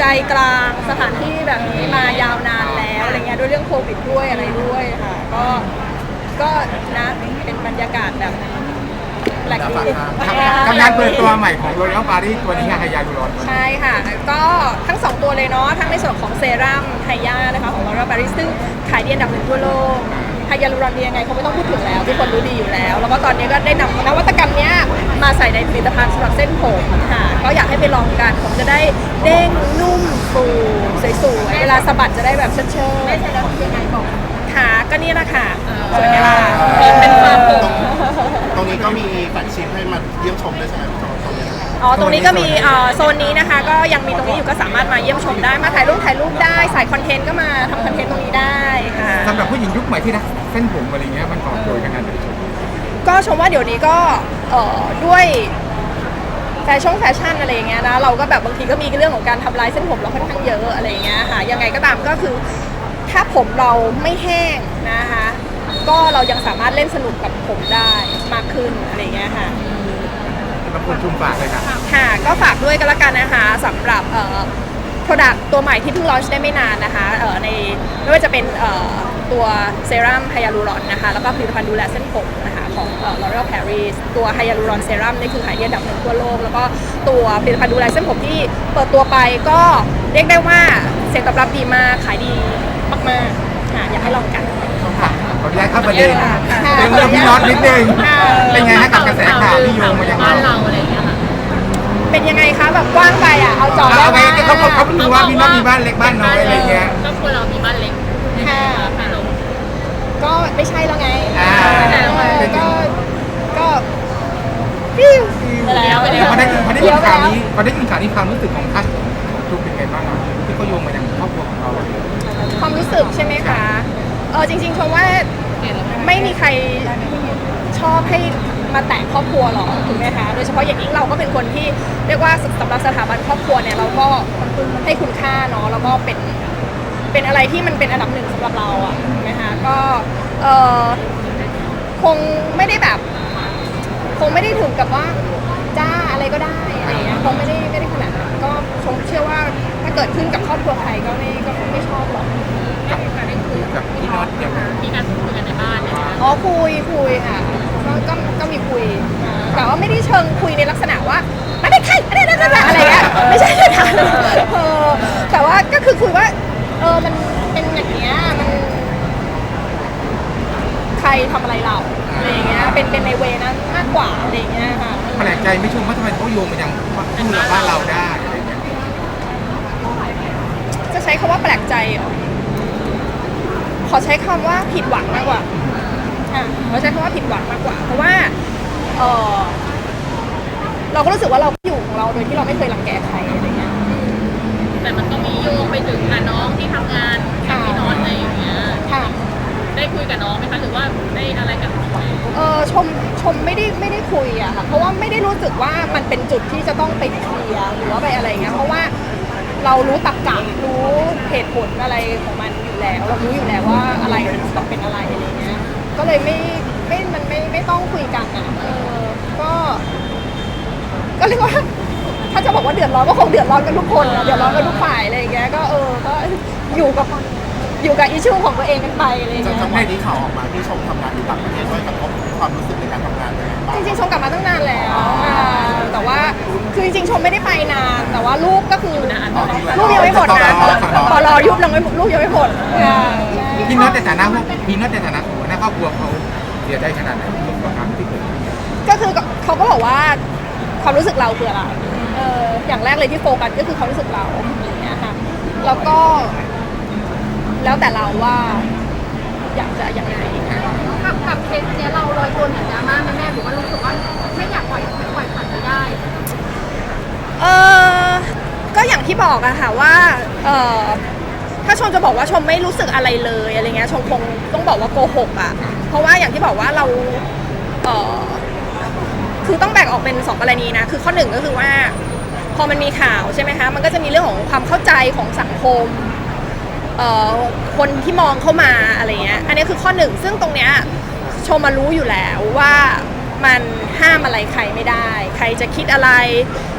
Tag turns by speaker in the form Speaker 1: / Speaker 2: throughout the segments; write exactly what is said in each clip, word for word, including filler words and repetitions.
Speaker 1: กลางสถานที่แบบนี้มายาวนานแล้วอะไรเงี้ยด้วยเรื่องโควิดด้วยอะไรด้วยค่ะก็ก็นะเป็นบรรยากาศแบบแปลกดี
Speaker 2: กับงานเปิดตัวใหม่ของ L'Oréal Paris ตัวนี้งานไฮยาลูรอน
Speaker 1: ใช่ค่ะก็ทั้งสองตัวเลยเนาะทั้งในส่วนของเซรั่มไฮยานะคะของ L'Oréal Paris ซึ่งขายดีอันดับหนึ่งทั่วโลกไฮยาลูรอนดียังไงเขาไม่ต้องพูดถึงแล้วทุกคนรู้ดีอยู่แล้วแล้วก็ตอนนี้ก็ได้นำนวัตกรรมเนี้ยมาใส่ในผลิตภัณฑ์สำหรับเส้นผมค่ะก็อยากให้ไปลองกันผมจะได้เด้งนุ่มฟูสวยๆเวลาสะบัดจะได้แบบเชิดๆไม่ใช่แล้วยังไงบอกค่ะก็นี่แหละค่ะสวยไหมล่ะเป็นฟาร์มผม
Speaker 3: ตรงนี้ก็มีแฟลกชิพให้มาเยี่ยมชมด้วยใช่ไหมตรงนี้
Speaker 1: อ๋อตรงนี้ก็มีโซนนี้นะคะก็ยังมีตรงนี้อยู่ก็สามารถมาเยี่ยมชมได้มาถ่ายรูปถ่ายรูปได้ใส่คอนเทนต์ก็มาทำคอนเทนต์ตรงนี้ได้ค่ะ
Speaker 2: สำหรับผู้หญิงยุคใหม่ที่รักเส้นผมอะไรเงี้ยมันตอบโจทย์กันงานเดินชม
Speaker 1: ก็ชมว่าเดี๋ยวนี้ก็ด้วยแฟชั่นแฟชั่นอะไรอย่างเงี้ยนะเราก็แบบบางทีก็มีเรื่องของการทำลายเส้นผมเราค่อนข้างเยอะอะไรอย่างเงี้ยค่ะยังไงก็ตามก็คือถ้าผมเราไม่แห้งนะคะก็เรายังสามารถเล่นสนุกกับผมได้มากขึ้นอะไรอย่างเงี้ยค่ะ
Speaker 2: บางคนชุมฝากเลยค่ะ
Speaker 1: ค่ะก็ฝากด้วยกันละกันนะคะสำหรับเอ่อ product ตัวใหม่ที่เพิ่งลอนช์ได้ไม่นานนะคะเอ่อในไม่ว่าจะเป็นเอ่อตัวเซรั่มไฮยาลูรอนนะคะแล้วก็ผลิตภัณฑ์ดูแลเส้นผมนะคะของเอ่อ L'Oréal Paris ตัวไฮยาลูรอนเซรั่มนี่คือขายดีอันดับหนึ่งทั่วโลกแล้วก็ตัวผลิตภัณฑ์ดูแลเส้นผมที่เปิดตัวไปก็เรียกได้ว่าเสียงตอบรับดีมากขายดีมากๆค่ะอยากให้ลองกัน
Speaker 2: ค่ะขออนุญาตเข้าประเด็นเป็นเรื่องพี่น็อตนิดนึงเป็นไงฮะกับกระแสข่าวที่โยงมาอย่าง
Speaker 4: เราอะไรอย่างเงี้ยค่ะ
Speaker 1: เป็นยังไงคะแบบกว้างไปอ่ะเอาจอได้ไหม
Speaker 2: เขาเขาเขาดูว่าพี่น็อตมีบ้านเล็กบ้านน้อยอะไรเงี้ย
Speaker 4: ก็ควรเรามีบ้านเล็ก
Speaker 1: ค่ะก็ไม่ใช่แล้วไงก็ก็ฟิว
Speaker 2: แล้วพอได้พอได้ยินข่าวนี้พอได้ยินข่าวนี้ความรู้สึกของท่านทุกเป็นไงบ้างที่เขาโยงมาอย่างครอบครัวของเรา
Speaker 1: ความรู้สึกใช่ไหมคะเออจริงๆชมว่าไม่มีใครชอบให้มาแตะครอบครัวหรอกถูกไหมคะโดยเฉพาะอย่างยิ่งเราก็เป็นคนที่เรียกว่าสำหรับสถาบันครอบครัวเนี่ยเราก็ให้คุณค่าเนาะแล้วก็เป็นเป็นอะไรที่มันเป็นอันดับหนึ่งสำหรับเราอ่ะถูกไหมคะก็เออคงไม่ได้แบบคงไม่ได้ถึงกับว่าจ้าอะไรก็ได้อะไรอย่างเงี้ยคงไม่ได้ไม่ได้ขนาดนั้นก็ชมเชื่อว่าถ้าเกิดขึ้นกับครอบครัวใครก็ไม่ก็ไม่ชอบหรอก
Speaker 2: กับพี่น็อตอย่าง
Speaker 4: มีการพูดคุยกันในบ้านนะคะ
Speaker 1: อ๋อคุยคุยค่ะก็ก็ก็มีคุยแต่ว่าไม่ได้เชิงคุยในลักษณะว่าไม่ได้ใครไม่ได้อะไรเงี้ยไม่ใช่ค่ะเออแต่ว่าก็คือคุยว่าเออมันเป็นอย่างเงี้ยมันใครทำอะไรเราอะไรเงี้ยเป็นเป็นในเวนั้นมากกว่าอะไรเงี้ยค่ะ
Speaker 2: แปลกใจไม่ชมว่าทำไมเขาโยงมาอย่างคู่เราบ้านเราได้อะไรเงี้ย
Speaker 1: จะใช้คำว่าแปลกใจเหรอขอใช้คำว่าผิดหวังมากกว่าอ่ะขอใช้คำว่าผิดหวังมากกว่าเพราะว่าเออเราก็รู้สึกว่าเราอยู่ของเราโดยที่เราไม่เคยรังแกใครอะไรเงี้ย
Speaker 4: แต่มันก็มีโยงไปถึงน้องที่ทำงานกับพี่น็อตอะไรอย่างเงี้ย
Speaker 1: ค่ะ
Speaker 4: ได้คุยกับน้องไหมคะหรือว่าได้อะไรกับน้องไหม
Speaker 1: เออชมชมไม่ได้ไม่ได้คุยอะค่ะเพราะว่าไม่ได้รู้สึกว่ามันเป็นจุดที่จะต้องไปเคลียร์หรือว่าไปอะไรเงี้ยเพราะว่าเรารู้ตรรกะรู้เหตุผลอะไรของมันอยู่แล้วเรารู้อยู่แล้วว่าอะไรมันต้องเป็นอะไรอะไรเงี้ยก็เลยไม่ไม่มันไม่ไม่ต้องคุยกันอะเออก็ก็เรียกว่าถ้าจะบอกว่าเดือดร้อนก็คงเดือดร้อนกันทุกคนเดือดร้อนกันทุกฝ่ายอะไรอย่างเงี้ยก็เออก็อยู่กับอยู่กับอิชชูของตัวเองกันไปอะไรอย่างเงี้ย
Speaker 3: จังหวะที่ข่าวออกมาที่ชมทำงานอยู่ต่างประเทศด้วยกระทบความรู้สึกในการทำงานเลย
Speaker 1: จริงๆชมกลับมาตั้งนานแล้วแต่ว่าคือจริงๆชมไม่ได้ไปนานแต่ว่าลูกก็คือลูกยังไม่หมดนะพอรอยุบลงไม่ลูกยังไม่หมด
Speaker 2: พี่น็อตในฐานะพี่น็อตในฐานะหัวหน้าครอบครัวเขาเสียใจขนาดไหนกับการที่เกิด
Speaker 1: ก็คือเขาก็บอกว่าความรู้สึกเราคืออะไรเอออย่างแรกเลยที่โฟกัสก็คือความรู้สึกเราอย่างเงี้ยค่ะแล้วก็แล้วแต่เราว่าอยากจะยังไง
Speaker 4: กับกับเคสเนี้ยเราลอยตัวเหนือดราม่าแม่แม่หรือว่ารู้สึกว่าไม่อยากปล่อยปล่อยผ่านไปได้
Speaker 1: เออก็อย่างที่บอกอะค่ะว่าเออถ้าชมจะบอกว่าชมไม่รู้สึกอะไรเลยอะไรเงี้ยชมคงต้องบอกว่าโกหกอะเพราะว่าอย่างที่บอกว่าเราเออคือต้องแบ่งออกเป็นสองกรณีนะคือข้อหนึ่งก็คือว่าพอมันมีข่าวใช่ไหมคะมันก็จะมีเรื่องของความเข้าใจของสังคมเอ่อคนที่มองเข้ามาอะไรเงี้ยอันนี้คือข้อหนึ่งซึ่งตรงเนี้ยชมมารู้อยู่แล้วว่ามันห้ามอะไรใครไม่ได้ใครจะคิดอะไร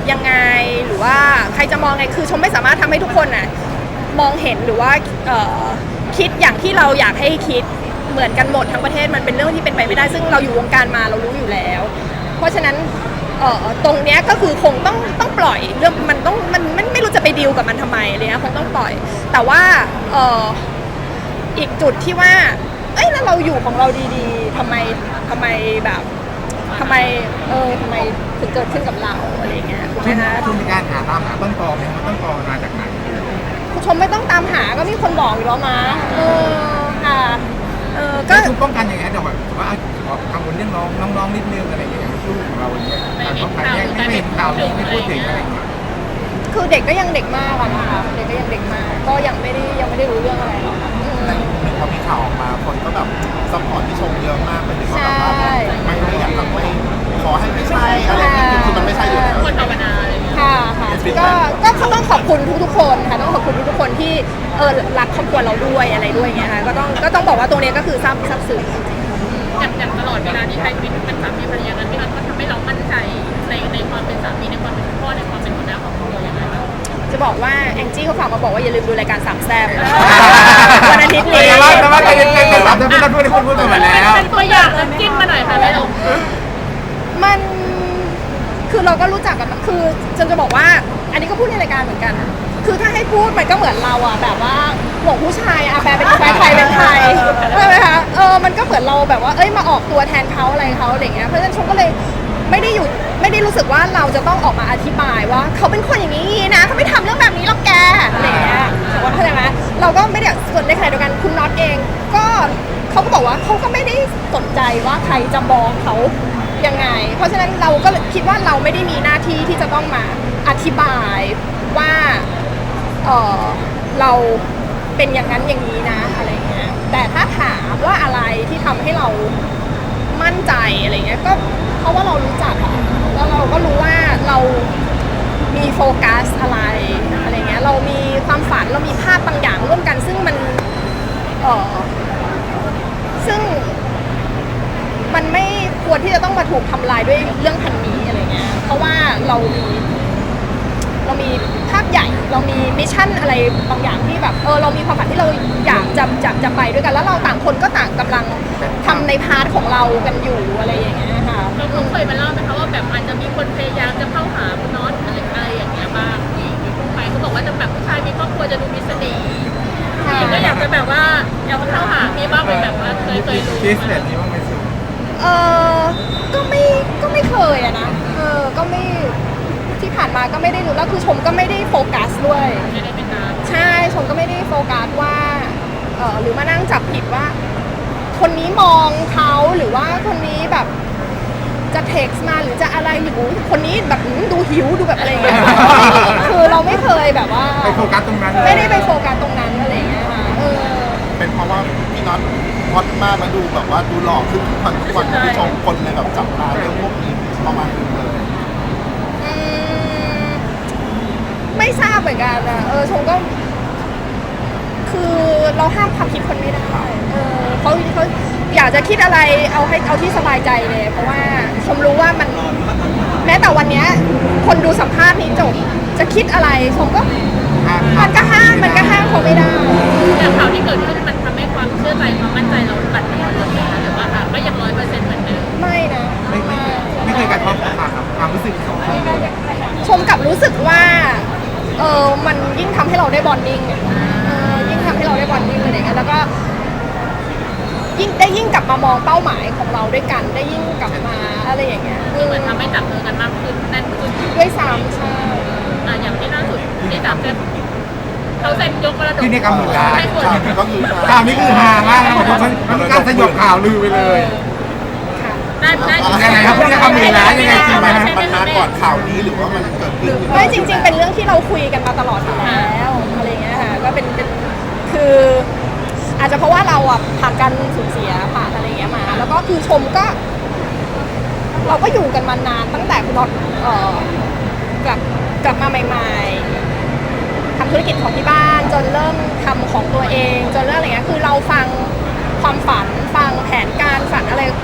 Speaker 1: ยังไงหรือว่าใครจะมองไงคือชมไม่สามารถทำให้ทุกคนน่ะมองเห็นหรือว่าเอ่อคิดอย่างที่เราอยากให้คิดเหมือนกันหมดทั้งประเทศมันเป็นเรื่องที่เป็นไปไม่ได้ซึ่งเราอยู่วงการมาเรารู้อยู่แล้ว เพราะฉะนั้นเอ่อตรงเนี้ยก็คือคงต้องต้องปล่อยเรื่องมันต้องมันมันไม่รู้จะไปดีลกับมันทำไมอะไรเลยนะคงต้องปล่อย แต่ว่าเอ่ออีกจุดที่ว่าเอ้ยแล้วเราอยู่ของเราดีๆทำไมทำไมแบบทำไมเออทำไมถึงเกิดขึ้นกับเราอะไรอย่างเงี้ยถูกไหม
Speaker 2: ช่วง
Speaker 1: คะ
Speaker 2: ช่วงมีการหาตามหาต้นตอไหมว่าต้นตอมาจากไหน
Speaker 1: คุณชมไม่ต้องตามหาก็มีคนบอกอยู่แล้วมาเออค่ะเออก็
Speaker 2: ก็ชุดป้องกันยังไงแต่ว่าว่ากังวลเรื่องน้องน้องๆนิดนึงอะไรอย่างเงี้ยลูกของเราเนี่ยการป้องกันเนี่ยไม่เป็นข่าวนี้ไม่พูดถึงอะไรอย่างเงี้ย
Speaker 1: คือเด็กก็ยังเด็กมากอะนะคะเด็กก็ยังเด็กมากก็ยังไม่ได้ยังไม่ได้รู้เรื่องอะไรหรอกค่ะอืม
Speaker 3: แต่พอมีข่าวออกมาคนก็แบบซัพพอร์ตที่ชมเยอะมากเป็นถึงว่าแบบว่า
Speaker 1: ใช่
Speaker 3: ไม่ไม่อยากทำไม่ขอให้ไม่ใช่อะไรอย่างเงี้ยคือมันไม่ใช่อยู่แล้ว
Speaker 4: คนภาวนาอะไรอย่างเงี้ย
Speaker 1: ค่ะค่ะก็ก็เขาต้องขอบคุณทุกๆคนค่ะต้องขอบคุณทุกๆคนที่เออรักครอบครัวเราด้วยอะไรด้วยอย่างเงี้ยค่ะก็ต้องก็ต้องบอกว่าตรงเนี้ยก็คือซาบซับซึ้ง
Speaker 4: อย่างอย่างตลอดเวลาที่ใช้ชีวิตเป็นสามีภรรยากันพี่น็อตก็ทำให้เรามั่นใจในในความเป็นสามีในความเป็นพ่อในความเป็นหัวหน้าครอบครัวอย่างไรบ้าง
Speaker 1: จะบอกว่าแองจี้เขาฝากมาบอกว่าอย่าลืมดูรายการสามแซ่บวันอาทิตย์นี้
Speaker 2: แต่ว่าแต่ว่าใจเย็นๆแต่ว่าจะไม่ต้องพูดพูดพูดไปแล้ว
Speaker 4: เป็นตัวอย่างน้ำจิ้มมาหน่อยค่ะแม่ลูก
Speaker 1: มันคือเราก็รู้จักกันมาคือจนจะบอกว่า อันนี้ก็พูดในรายการเหมือนกัน คือถ้าให้พูดมันก็เหมือนเราอะแบบว่าห่วงผู้ชายอะแฟนเป็นแฟนใครเป็นใครใช่ไหมคะเออมันก็เหมือนเราแบบว่าเอ้ยมาออกตัวแทนเขาอะไรเขาอะไรเงี้ยเพราะฉะนั้นชมก็เลยไม่ได้อยู่ไม่ได้รู้สึกว่าเราจะต้องออกมาอธิบายว่าเขาเป็นคนอย่างนี้นะเขาไม่ทำเรื่องแบบนี้หรอกแกอะไรเงี้ยเข้าใจไหมเราก็ไม่ได้ส่วนในขณะเดียวกันคุณน็อตเองก็เขาก็บอกว่าเขาก็ไม่ได้สนใจว่าใครจะมองเขายังไง เพราะฉะนั้นเราก็คิดว่าเราไม่ได้มีหน้าที่ที่จะต้องมาอธิบายว่าเออเราเป็นอย่างนั้นอย่างนี้นะอะไรเงี้ยแต่ถ้าถามว่าอะไรที่ทำให้เรามั่นใจอะไรเงี้ยก็เพราะว่าเรารู้จักอะแล้วเราก็รู้ว่าเรามีโฟกัสอะไรอะไรเงี้ยเรามีความฝันเรามีภาพบางอย่างร่วมกันซึ่งมันเออซึ่งมันไม่ควรที่จะต้องมาถูกทำลายด้วยเรื่องพันนี้อะไรเงี้ยเพราะว่าเรามีเรามีภาพใหญ่เรามีมิชชั่นอะไรบางอย่างที่แบบเออเรามีความฝันที่เราอยากจะจะจะไปด้วยกันแล้วเราต่างคนก็ต่างกำลังทำในพาร์ทของเรากันอยู่อะไรอย่างเงี้ยค่ะ
Speaker 4: เราเคยมาเล่าไหมคะว่าแบบอาจจะมีคนพยายามจะเข้าหาคุณน็อตอะไรอะไรอย่างเงี้ยบ้างผู้หญิงที่พูดไปเขาบอกว่าจะแบบผู้ชายมีครอบครัวจะดูมีเสน่ห์ผู้หญิงก็อยากจะแบบว่าอยากจะเข้าหามีบ้างเป็นแบบว่าเคยเคยรู้
Speaker 2: เคสแบบนี้บ้างไหมสิ
Speaker 1: เออก็ไม่ก็ไม่เคยอะนะเออก็ไม่ที่ผ่านมาก็ไม่ได้รู้แล้วคือชมก็ไม่ได้โฟกัสด้วย
Speaker 4: ไม่ได้เป็นนาน
Speaker 1: ใช่ชมก็ไม่ได้โฟกัสว่าเออหรือมานั่งจับผิดว่า คนนี้มองเขาหรือว่าคนนี้แบบจะเท็กซ์มาหรือจะอะไรหรือคนนี้แบบดูหิวดูแบบอะไรอย่างเงี้ยคือเราไม่เคยแบบว่า
Speaker 2: ไปโฟกัสตรงนั้น
Speaker 1: ไม่ได้ไปโฟกัสตรงนั้นอะไรอย่างเงี้ยค่ะเออ
Speaker 3: เป็นเพราะว่าพี่น็อตฮอตมากมาดูแบบว่าดูหล่อขึ้นทุกวันทุกวันที่ชมคนเลยแบบจับตาเรื่องพวกนี้ประมาณนึงเลย
Speaker 1: อืมไม่ทราบเหมือนกันนะเออชมก็ คือเราห้ามความคิดคนไม่ได้เออเขาเขาอยากจะคิดอะไรเอาให้เอาที่สบายใจเลย เพราะว่าชมรู้ว่ามันแม้แต่วันเนี้ยคนดูสัมภาษณ์นี้จบจะคิดอะไรชมก็มันก็ห้ามมันก็ห้ามเขาไม่ได้
Speaker 4: อย่างข่าวที่เกิดขึ้นมันทำให้ความเชื่อใจความมั่นใจเราบั่นทอนลงไหมคะหรือว่าอ่ะก็ยังร้อยเปอร์เซ็นต์เหมือนเดิม
Speaker 1: ไม่นะ
Speaker 2: ไม่ไม่ไม่เคยกระทบกับความรู้สึกของคนเลย
Speaker 1: ชมกลับรู้สึกว่าเออมันยิ่งทำให้เราได้บอนดิ้งอะเออยิ่งทำให้เราได้บอนดิ้งอะไรอย่างเงี้ยแล้วก็ยิ่งได้ยิ่งกลับมามองเป้าหมายของเราด้วยกัน ได้ยิ่งกลับมาอะไรอย่างเงี้ย
Speaker 4: คือเหมือนทำให้จับมือกันมากขึ้นแน่นขึ้น
Speaker 1: ด้วยซ้ำใช่
Speaker 4: อ่ะอย่างที่ล่าสุดที่จับเซ็นเขาเซ็นยกมรดก
Speaker 2: ที่นี่กำหนดการ
Speaker 4: ให้คน
Speaker 3: ก็คือ
Speaker 2: ข่าวนี้คือฮามากนะผมมันมันมีการสยบข่าวลือไปเลย
Speaker 1: ค่ะ
Speaker 4: ได้ได้
Speaker 2: ยังไงครับพฤติกรรมหมื่นล้านยังไงจริงไหมฮะ
Speaker 3: มันมาก่อนข่าวนี้หรือว่ามันเกิดขึ้น
Speaker 1: ไม่จริง ๆ เป็นเรื่องที่เราคุยกันมาตลอดอยู่แล้วอะไรเงี้ยค่ะก็เป็นเป็นคือ อาจจะเพราะว่าเราอ่ะผ่านการสูญเสียผ่านอะไรเงี้ยมา แล้วก็คือชมก็ เราก็อยู่กันมานานตั้งแต่คุณน็อตเอ่อกลับกลับมาใหม่ๆทำธุรกิจของที่บ้านจนเริ่มทำของตัวเองจนเริ่มอะไรเงี้ยคือเราฟังความฝันฟังแผนการฝันอะไรฟังท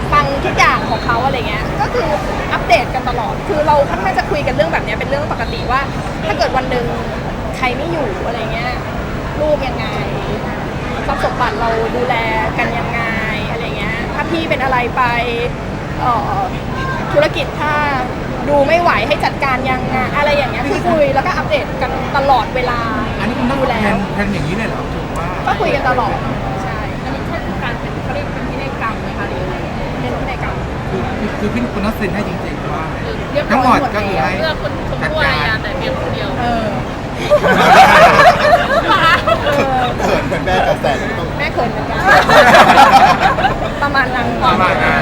Speaker 1: ทุกอย่างของเขาอะไรเงี้ยก็คืออัปเดตกันตลอดคือเราค่อนข้างจะคุยกันเรื่องแบบเนี้ยเป็นเรื่องปกติว่า ถ้าเกิดวันหนึ่งใครไม่อยู่อะไรเงี้ยลูกยังไงทรัพย์สมบัติเราดูแลกันยังไงอะไรเงี้ยถ้าพี่เป็นอะไรไปเอ่อธุรกิจถ้าดูไม่ไหวให้จัดการยังไงอะไรอย่างเงี้ยคือคุยแล้วก็อัปเดตกันตลอดเวลา
Speaker 2: อันนี้คุณต้อง
Speaker 1: ดู
Speaker 2: แท
Speaker 1: แล
Speaker 2: นแทนอย่างนี้เลยเหรอถือว่า
Speaker 1: ก็คุยกันตลอดใช่
Speaker 4: อันนี้ใช่การเป็นเขาเรียกเป็นพินัยกรรมไหมคะหรืออะไร
Speaker 1: เป็นพินัยกรรม
Speaker 2: คือคือคือพี่คุณต้องเซ็นให้จริงๆว่า
Speaker 4: เรียบร้อย
Speaker 2: ทั้งหมดก็คือให้
Speaker 4: เพื่อคนชมพู่อารยาแต่เพียงคนเดียว
Speaker 1: เออ เออ
Speaker 3: เขินเป็นแม่กระแสที่ต้อง
Speaker 1: แม่เขินเหมือนกันประมาณนั้น
Speaker 2: ประมาณนั้น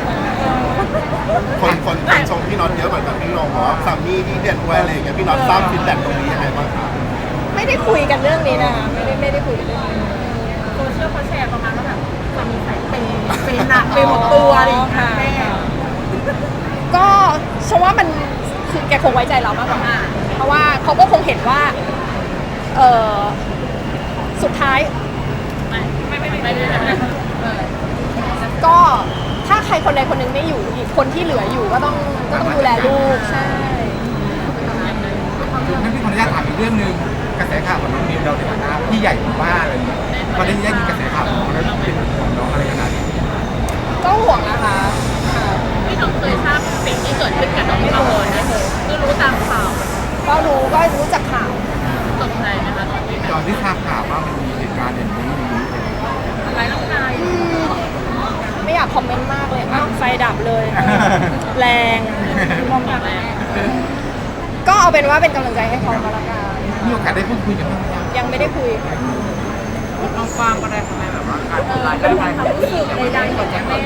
Speaker 3: คนคนคนชมพี่น็อตเยอะเหมือนกันพี่ลงบอกว่าสามีที่เด่นด้วยอะไรอย่างเงี้ยพี่น็อตทราบฟีดแบ็กตรงนี้ยังไงบ้างครับ
Speaker 1: ไม่ได้คุยกันเรื่องนี้นะคะไม่ได้ไม่ได้คุยกันเรื่องนี้
Speaker 4: โซเชียลเขาแชร์ประมาณว่าแบบจะมีสายเปย์เปย์หนักเปย์หมดตัวอะไรอย่างเงี้ยแม่
Speaker 1: ก็ฉันว่ามันคือแกคงไว้ใจเรามากกว่าเพราะว่าเขาก็คงเห็นว่าเออสุดท้าย
Speaker 4: ไม่ไม่ไม่ไม่ไม่ไม่
Speaker 1: ก็ถ้าใครคนใดคนหนึ่งไม่อยู่อีกคนที่เหลืออยู่ก็ต้องก็ต้องดูแลลูกใช่
Speaker 2: คืองั้นพี่ขออนุญาตถามอีกเรื่องหนึ่งกระแสข่าวของน้องนิวเราในฐานะพี่ใหญ่ของบ้านอะไรอย่างเงี้ยพอได้ยินกระแสข่าวของน้องแล้วเป็นของน้องอะไรขนาดนี้
Speaker 1: ก็ห่วงนะคะค่ะ
Speaker 4: พี่น้องเคยทราบสิ่งที่เกิดขึ้นกับน้องมาก่อนนะคือรู้ตามข่าว
Speaker 1: ก็รู้ก็รู้จากข่าว
Speaker 4: ตกใจไหมคะตอนที่
Speaker 2: ตอนที่ทราบข่าวว่ามันมีเหตุการณ์อย่างนี้อย่างนี้
Speaker 4: อะไรน้องนาย
Speaker 1: อืมไม่อยากคอมเมนต์มากเลยอ้าวไฟดับเลย แรง
Speaker 4: มองแบบแรก
Speaker 1: ก็เอาเป็นว่าเป็นกำลังใจให้เขาก็แล้วกัน
Speaker 2: มีโอกาสได้พูดคุยกันบ้างไหมครับ
Speaker 1: ยังไม่ได้คุย
Speaker 2: น้องฟางก็ได้ทำไมแบบว่าการ
Speaker 4: เออเป็นความรู้สึกใดๆของแม่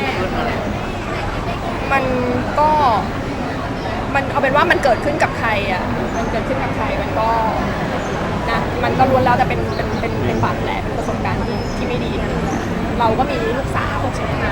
Speaker 1: มันก็มันเอาเป็นว่ามันเกิดขึ้นกับใครอ่ะมันเกิดขึ้นกับใครมันก็นะมันก็ล้วนแล้วแต่เป็นเป็นเป็นเป็นบาดแผลเป็นประสบการณ์ที่ที่ไม่ดีทั้งนั้นแหละเราก็มีลูกสาวใช่ไหมคะ